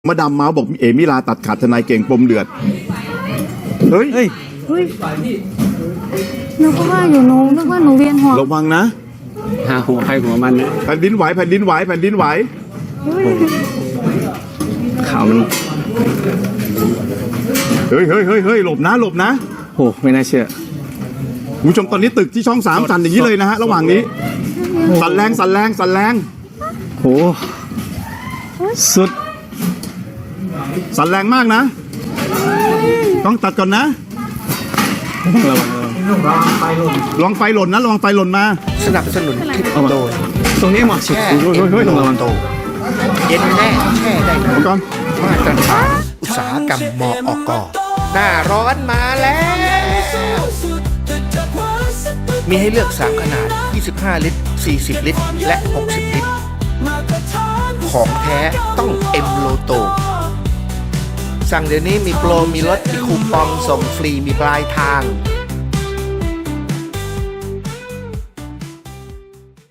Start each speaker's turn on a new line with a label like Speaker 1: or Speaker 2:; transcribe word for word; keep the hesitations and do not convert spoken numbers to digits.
Speaker 1: มาดามเมาส์บอกเอมิลาตัดขาดทนายเก่งปมเดือดเฮ้ย
Speaker 2: เฮ้ย
Speaker 3: เฮ้ยนึกว่าอยู่หนูนึกว่าหนูเวียนหัว
Speaker 1: ระวังนะ
Speaker 2: หาหัวใครหัวมันนะ
Speaker 1: แผ่นดินไหวแผ่นดินไหวแผ่นดินไหว
Speaker 3: เฮ้ย
Speaker 2: ข่าวมัน
Speaker 1: เฮ้ยเฮ้ยเฮ้ยเฮ้ยหลบนะหลบนะ
Speaker 2: โอ้ไม่น่าเชื่อ
Speaker 1: คุณผู้ชมตอนนี้ตึกที่ช่องสามสั่นอย่างนี้เลยนะฮะระหว่างนี้สั่นแรงสั่นแรงสั่นแรง
Speaker 2: โหสุด
Speaker 1: สั่นแรงมากนะ ต้องตัดก่อนนะ
Speaker 2: ระวังระวัง
Speaker 1: ลองไฟหล่นนะลองไฟหล่นมา
Speaker 4: สนับสนุนคลิป
Speaker 2: เอามา
Speaker 4: โดย
Speaker 2: ตรงนี้เหมาะสุด
Speaker 4: แช่
Speaker 1: เฮ้ยเฮ้ยเฮ้ยระวัง
Speaker 4: โตเย็นแน่แช่ได้
Speaker 1: เอาก่อน
Speaker 4: มาตรฐานอุตสาหกรรมมอกหน้าร้อนมาแล้ว มีให้เลือกสามขนาดยี่สิบห้าลิตรสี่สิบลิตรและหกสิบลิตรของแท้ต้องเอ็มโลโตสั่งเดี๋ยวนี้มีโปรมีลดมีคูปองส่งฟรีมีปลายทาง